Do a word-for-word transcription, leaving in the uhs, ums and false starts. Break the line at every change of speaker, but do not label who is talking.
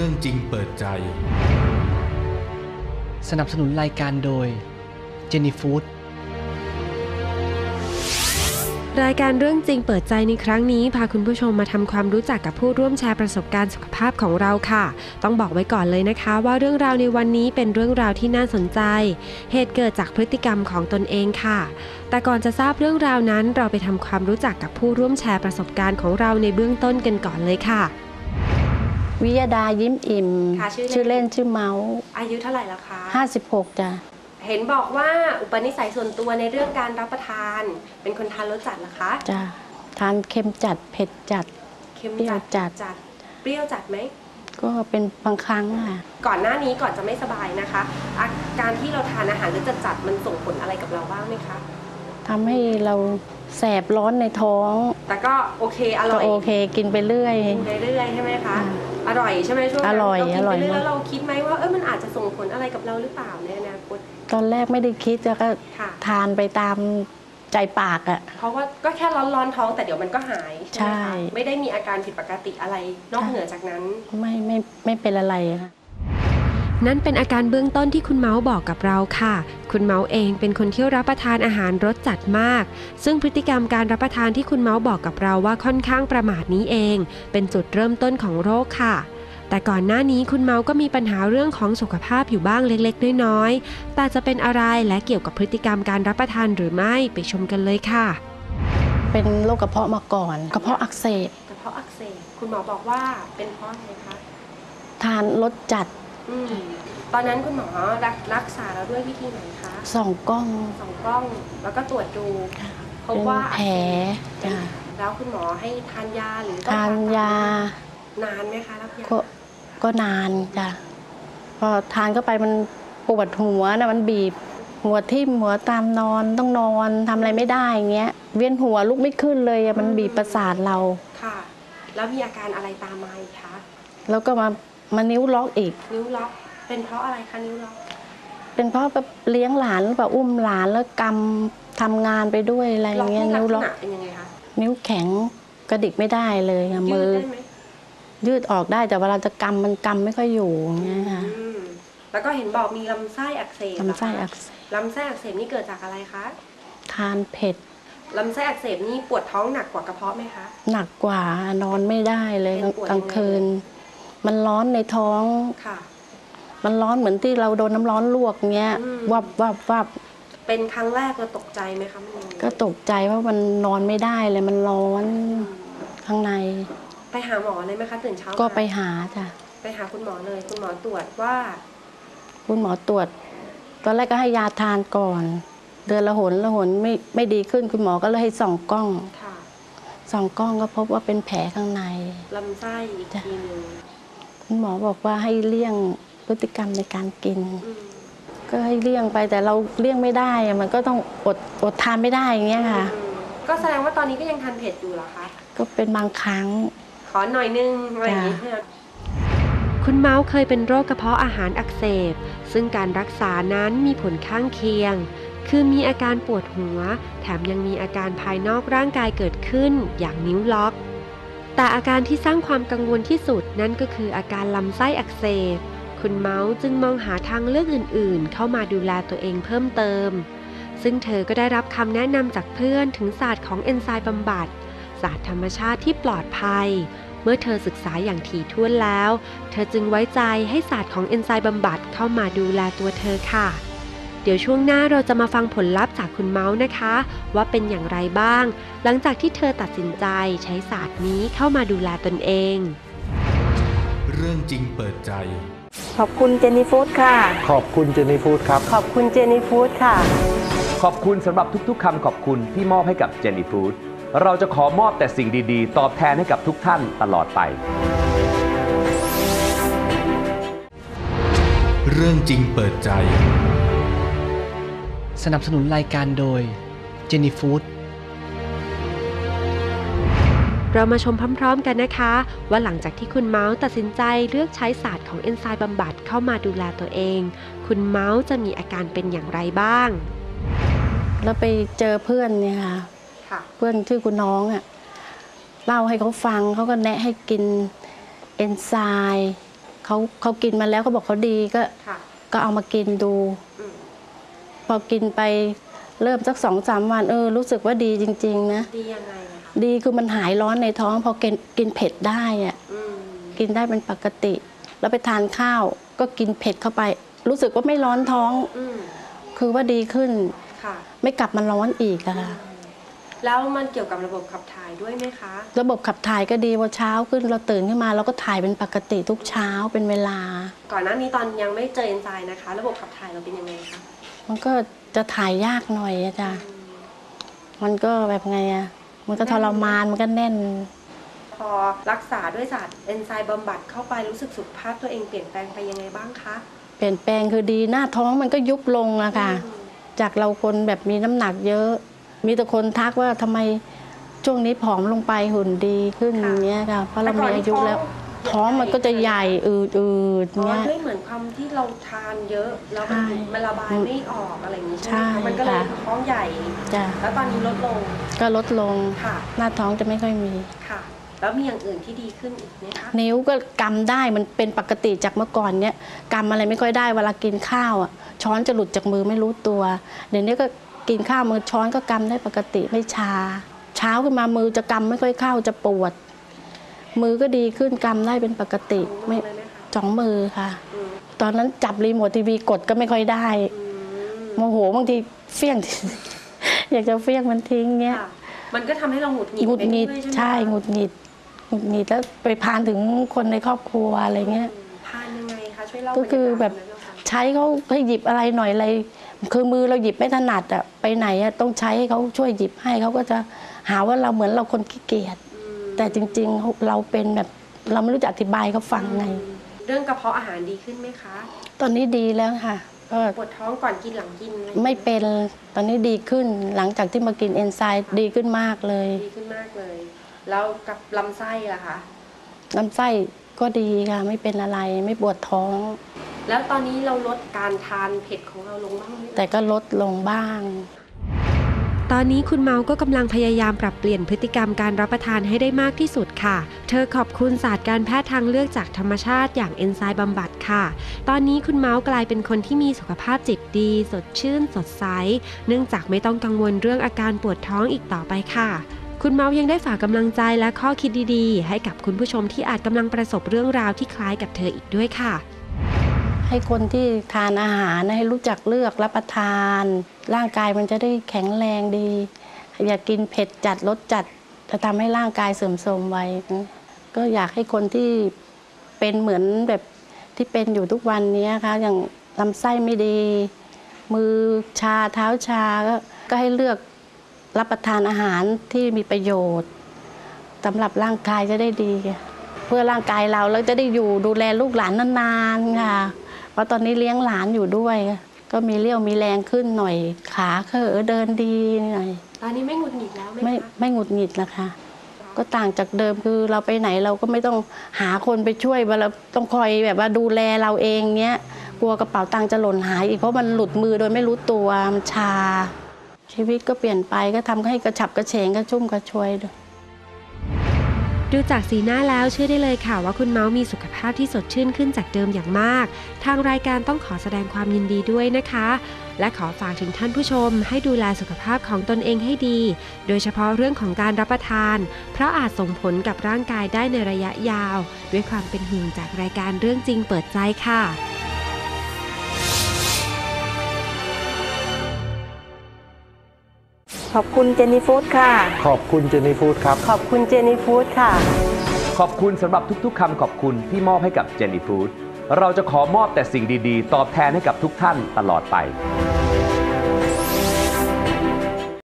รื่องจริงเปิดใจ
สนับสนุนรายการโดยเจนี่ฟู้ด
รายการเรื่องจริงเปิดใจในครั้งนี้พาคุณผู้ชมมาทำความรู้จักกับผู้ร่วมแชร์ประสบการณ์สุขภาพของเราค่ะต้องบอกไว้ก่อนเลยนะคะว่าเรื่องราวในวันนี้เป็นเรื่องราวที่น่าสนใจเหตุเกิดจากพฤติกรรมของตนเองค่ะแต่ก่อนจะทราบเรื่องราวนั้นเราไปทำความรู้จักกับผู้ร่วมแชร์ประสบการณ์ของเราในเบื้องต้นกันก่อนเลยค่ะ
วิยดายิ้มอิ่มชื่อเล่นชื่อเมาส์
อายุเท่าไหร่แล้วคะ
ห้าสิบหกจ้ะ
เห็นบอกว่าอุปนิสัยส่วนตัวในเรื่องการรับประทานเป็นคนทานรสจัดเหรอคะ
จ้ะทานเค็มจัดเผ็ดจัด
เค็มจัดจัดจัดเปรี้ยวจัดไหม
ก็เป็นบางครั้งค่ะ
ก่อนหน้านี้ก่อนจะไม่สบายนะคะอาการที่เราทานอาหารรสจัดจัดมันส่งผลอะไรกับเราบ้างไหมคะ
ทำให้เราแสบร้อนในท้อง
แต่ก็โอเคอร่อย
โอเคกินไปเรื่อย
กินไปเรื่อยใช่ไหมคะอร่อยใช่ไหมช่วงนั้นเรากินไปเรื่อยแล้วเราคิดไหมว่าเออมันอาจจะส่งผลอะไรกับเราหรือเปล่าในอนาคต
ตอนแรกไม่ได้คิดแล้วก็ทานไปตามใจปากอ่ะ
เพราะว่าก็แค่ร้อนๆท้องแต่เดี๋ยวมันก็หายใช่ไหมคะไม่ได้มีอาการผิดปกติอะไรนอกเหนือจากนั้น
ไม่ไม่ไม่เป็นอะไรค่ะ
นั่นเป็นอาการเบื้องต้นที่คุณเมาส์บอกกับเราค่ะคุณเมาส์เองเป็นคนที่รับประทานอาหารรสจัดมากซึ่งพฤติกรรมการรับประทานที่คุณเมาส์บอกกับเราว่าค่อนข้างประมาทนี้เองเป็นจุดเริ่มต้นของโรคค่ะแต่ก่อนหน้านี้คุณเมาส์ก็มีปัญหาเรื่องของสุขภาพอยู่บ้างเล็กๆน้อยๆแต่จะเป็นอะไรและเกี่ยวกับพฤติกรรมการรับประทานหรือไม่ไปชมกันเลยค่ะ
เป็นโรคกระเพาะมาก่อนกระเพาะอักเสบ
กระเพาะอักเสบคุณหมอบอกว่าเป็นเพราะอะไรคะ
ทานรสจัด
ตอนนั้นคุณหมอรักรักษาเราด้วยวิธีไหนคะ
ส่องกล้อง
ส่องกล้องแล้วก็ตรวจดูพบว่า
แผลจ้ะ
แล้วคุณหมอให้ทานยาหรือ
ทานยาน
านไหมคะรับยา
ก็ก็นานจ้ะพอทานเข้าไปมันปวดหัวนะมันบีบหัวทิ่มหัวตามนอนต้องนอนทำอะไรไม่ได้อย่างเงี้ยเวียนหัวลุกไม่ขึ้นเลยมันบีบประสาทเรา
ค่ะแล้วมีอาการอะไรตามมาอีกคะ
แล้วก็มามานิ้วล็อกอีก
นิ้วล็อกเป็นเพราะอะไรคะนิ้วล็อก
เป็นเพราะแบบเลี้ยงหลานหรือเปล่าอุ้มหลานแล้วกำทำงานไปด้วยอะไรอย่างเงี้ย
นิ้วล็อกเป็นยังไงคะ
นิ้วแข็งกระดิกไม่ได้เลยมือยืดออกได้แต่เวลาจะกำมันกำไม่ค่อยอยู่อย่างเงี้ยค่ะ
แล้วก็เห็นบอกมีลำไส้อักเสบ
ลำไส้อักเสบ
ลำไส้อักเสบนี่เกิดจากอะไรคะ
ทานเผ็ด
ลำไส้อักเสบนี่ปวดท้องหนักกว่ากระเพาะไหมคะ
หนักกว่านอนไม่ได้เลยกลางคืนมันร้อนในท้อง
ค่ะ
มันร้อนเหมือนที่เราโดนน้ำร้อนลวกเงี้ยวับวับวับ
เป็นครั้งแรกเราตกใจไหมคะมัน
ก็ตกใจว่ามันนอนไม่ได้เลยมันร้อนข้างใน
ไปหาหมอเลยไหมคะตื่นเช้า
ก็ไปหาจ้ะ
ไปหาคุณหมอเลยคุณหมอตรวจว่า
คุณหมอตรวจตอนแรกก็ให้ยาทานก่อนเดือนละหนละหนไม่ไม่ดีขึ้นคุณหมอก็เลยให้ส่องกล้องส่องกล้องก็พบว่าเป็นแผลข้างใน
ลำไส้อีกทีนึง
คุณหมอบอกว่าให้เลี่ยงพฤติกรรมในการกินก็ให้เลี่ยงไปแต่เราเลี่ยงไม่ได้มันก็ต้องอดอดทานไม่ได้อย่างเงี้ยค่ะ
ก็แสดงว่าตอนนี้ก็ยังทานเผ็ดอยู่เหรอคะ
ก็เป็นบางครั้ง
ขอหน่อยนึงอะไรอย่างนี้คุณเมาส์เคยเป็นโรคกระเพาะอาหารอักเสบซึ่งการรักษานั้นมีผลข้างเคียงคือมีอาการปวดหัวแถมยังมีอาการภายนอกร่างกายเกิดขึ้นอย่างนิ้วล็อกแต่อาการที่สร้างความกังวลที่สุดนั่นก็คืออาการลำไส้อักเสบคุณเมาส์จึงมองหาทางเลือกอื่นๆเข้ามาดูแลตัวเองเพิ่มเติมซึ่งเธอก็ได้รับคำแนะนำจากเพื่อนถึงศาสตร์ของเอนไซม์บำบัดศาสตร์ธรรมชาติที่ปลอดภัยเมื่อเธอศึกษาอย่างถี่ถ้วนแล้วเธอจึงไว้ใจให้ศาสตร์ของเอนไซม์บำบัดเข้ามาดูแลตัวเธอค่ะเดี๋ยวช่วงหน้าเราจะมาฟังผลลัพธ์จากคุณเมาส์นะคะว่าเป็นอย่างไรบ้างหลังจากที่เธอตัดสินใจใช้ศาสตร์นี้เข้ามาดูแลตนเอง
เรื่องจริงเปิดใจ
ขอบคุณเจนี่ฟู้ดค่ะ
ขอบคุณเจนี่ฟู้ดครับ
ขอบคุณเจนี่ฟู้ดค่ะ
ขอบคุณสำหรับทุกๆคำขอบคุณที่มอบให้กับเจนี่ฟู้ดเราจะขอมอบแต่สิ่งดีๆตอบแทนให้กับทุกท่านตลอดไป
เรื่องจริงเปิดใจ
สนับสนุนรายการโดยเจนี่ฟู้ด
เรามาชมพร้อมๆกันนะคะว่าหลังจากที่คุณเมาส์ตัดสินใจเลือกใช้ศาสตร์ของเอนไซม์บำบัดเข้ามาดูแลตัวเองคุณเมาส์จะมีอาการเป็นอย่างไรบ้าง
แล้วไปเจอเพื่อนเนี่ยค่ะเพื่อนชื่อคุณน้องอ่ะเล่าให้เขาฟังเขาก็แนะให้กินเอนไซม์เขาเขากินมาแล้วเขาบอกเขาดีก็
ค่ะ
ก็เอามากินดู
อืม
พอกินไปเริ่มสักสองสามวันเออรู้สึกว่าดีจริงๆนะ
ดียังไงอะคะ
ดีคือมันหายร้อนในท้อง พอกินกินเผ็ดได้อะ
อืม
กินได้เป็นปกติ แล้วไปทานข้าวก็กินเผ็ดเข้าไป รู้สึกว่าไม่ร้อนท้อง
อืม
คือว่าดีขึ้น
ค่ะ
ไม่กลับมาร้อนอีกอะค่ะ
แล้วมันเกี่ยวกับระบบขับถ่ายด้วยไหมคะ
ระบบขับถ่ายก็ดีพอเช้าขึ้นเราตื่นขึ้นมาเราก็ถ่ายเป็นปกติทุกเช้าเป็นเวลา
ก่อนหน้านี้ตอนยังไม่เจอเอนไซม์นะคะ ระบบขับถ่ายเราเป็นยังไงคะ
มันก็จะถ่ายยากหน่อยอะจ้ะมันก็แบบไงอะมันก็ทรมานมันก็แน่น
พอรักษาด้วยศาสตร์เอนไซม์บำบัดเข้าไปรู้สึกสุขภาพตัวเองเปลี่ยนแปลงไปยังไงบ้างคะ
เปลี่ยนแปลงคือดีหน้าท้องมันก็ยุบลงอะค่ะ
อืม
จากเราคนแบบมีน้ำหนักเยอะ มีแต่คนทักว่าทำไมช่วงนี้ผอมลงไปหุ่นดีขึ้นอย่างเงี้ยค่ะเพราะเรามีอายุแล้วท้องมันก็จะใหญ่อืดอืด
อ๋อ
เงี้ย
ด้วยเหมือนความที่เราทานเยอะแล้วมัน
ใช่
มันระบายไม่ออกอะไรอย่างนี้ใช่ไหม
ใช่
คะมันก็เลย
ค่ะ
ท้องใหญ่
จ้ะ
แล้วตอนนี้ลดลง
ก็ลดลง
ค่ะ
หน้าท้องจะไม่ค่อยมี
ค่ะ แล้วมีอย่างอื่นที่ดีขึ้นอีกไหมคะ
นิ้วก็กำได้มันเป็นปกติจากเมื่อก่อนเนี้ยกำอะไรไม่ค่อยได้เวลากินข้าวอ่ะช้อนจะหลุดจากมือไม่รู้ตัว เดี๋ยวนี้ก็กินข้าวมือช้อนก็กำได้ปกติไม่ชา เช้าขึ้นมามือจะกำไม่ค่อยเข้าจะปวด มือก็ดีขึ้นกำได้เป็นปกติไม่
เลยไหมคะ
สองมือค่ะ
อืม
ตอนนั้นจับรีโมททีวีกดก็ไม่ค่อยได้
อืม
โมโหบางทีเฟี้ยง อยากจะเฟี้ยงมันทิ้งเงี้ย
ค่ะมันก็ทำให้เราหงุดหงิด
หงุดหงิด
ไปด้วย
ใช่
ไหมคะ
หงุดหงิดหงุดหงิดแล้วไปพานถึงคนในครอบครัวอะไรเงี้ย
ทานยังไงคะช่วยเล่า
ก็คือแบบ
รรยากาศนั้นหน่อยค่ะ
ใช้เขาให้หยิบอะไรหน่อยอะไรคือมือเราหยิบไม่ถนัดอะไปไหนอะต้องใช้ให้เขาช่วยหยิบให้เขาก็จะหาว่าเราเหมือนเราคนขี้เกียจ
อืม
แต่จริงๆเราเป็นแบบเราไม่รู้จะอธิบายเขาฟังไง
เรื่องกระเพาะอาหารดีขึ้นไหมคะ
ตอนนี้ดีแล้วค่ะก็
ปวดท้องก่อนกินหลังกินอะรอย่างงี้ย
ไม่เป็นตอนนี้ดีขึ้นหลังจากที่มากินเอนไซม์ดีขึ้นมากเลย
ดีขึ้นมากเลย แล้วกับลำไส้ล่ะคะ
ลำไส้ก็ดีค่ะไม่เป็นอะไรไม่ปวดท้อง
แล้วตอนนี้เราลดการทานเผ็ดของเราลงบ้างไหม
แต่ก็ลดลงบ้าง
ตอนนี้คุณเมาก็กำลังพยายามปรับเปลี่ยนพฤติกรรมการรับประทานให้ได้มากที่สุดค่ะ เธอขอบคุณศาสตร์การแพทย์ทางเลือกจากธรรมชาติอย่างเอนไซม์บำบัดค่ะ ตอนนี้คุณเมาส์กลายเป็นคนที่มีสุขภาพจิตดี สดชื่น สดใส เนื่องจากไม่ต้องกังวลเรื่องอาการปวดท้องอีกต่อไปค่ะ คุณเมาส์ยังได้ฝากกำลังใจและข้อคิดดีๆ ให้กับคุณผู้ชมที่อาจกำลังประสบเรื่องราวที่คล้ายกับเธออีกด้วยค่ะ
ให้คนที่ทานอาหารให้รู้จักเลือกรับประทาน ร่างกายมันจะได้แข็งแรงดี อย่ากินเผ็ดจัดรสจัดจะทำให้ร่างกายเสื่อมโทรมไวก็อยากให้คนที่เป็นเหมือนแบบที่เป็นอยู่ทุกวันนี้ค่ะอย่างลำไส้ไม่ดี มือชาเท้าชาก็ก็ให้เลือกรับประทานอาหารที่มีประโยชน์สำหรับร่างกายจะได้ดี เพื่อร่างกายเราแล้วจะได้อยู่ดูแลลูกหลานนานๆค่ะเพราะตอนนี้เลี้ยงหลานอยู่ด้วย ก็มีเรี่ยวมีแรงขึ้นหน่อยขาเขอเดินดีหน่อย
ตอนนี้ไม่หงุดหงิดแล้วไหม
ไม่
คะ
ไม่หงุดหงิดนะคะ ก็ต่างจากเดิมคือเราไปไหนเราก็ไม่ต้องหาคนไปช่วยว่าเราต้องคอยแบบว่าดูแลเราเองเนี้ยกลัวกระเป๋าตังค์จะหล่นหายอีกเพราะมันหลุดมือโดยไม่รู้ตัวมันชา ชีวิตก็เปลี่ยนไปก็ทำให้กระฉับกระเฉงกระชุ่มกระชวยด้วย
ดูจากสีหน้าแล้วเชื่อได้เลยค่ะว่าคุณเมาส์มีสุขภาพที่สดชื่นขึ้นจากเดิมอย่างมาก ทางรายการต้องขอแสดงความยินดีด้วยนะคะ และขอฝากถึงท่านผู้ชมให้ดูแลสุขภาพของตนเองให้ดี โดยเฉพาะเรื่องของการรับประทาน เพราะอาจส่งผลกับร่างกายได้ในระยะยาว ด้วยความเป็นห่วงจากรายการเรื่องจริงเปิดใจค่ะ
ขอบคุณเจนี่ฟู้ดค่ะ
ขอบคุณเจนี่ฟู้ดครับ
ขอบคุณเจนี่ฟู้ดค่ะ
ขอบคุณสำหรับทุกๆคำขอบคุณที่มอบให้กับเจนนี่ฟู้ดเราจะขอมอบแต่สิ่งดีๆ ตอบแทนให้กับทุกท่านตลอดไป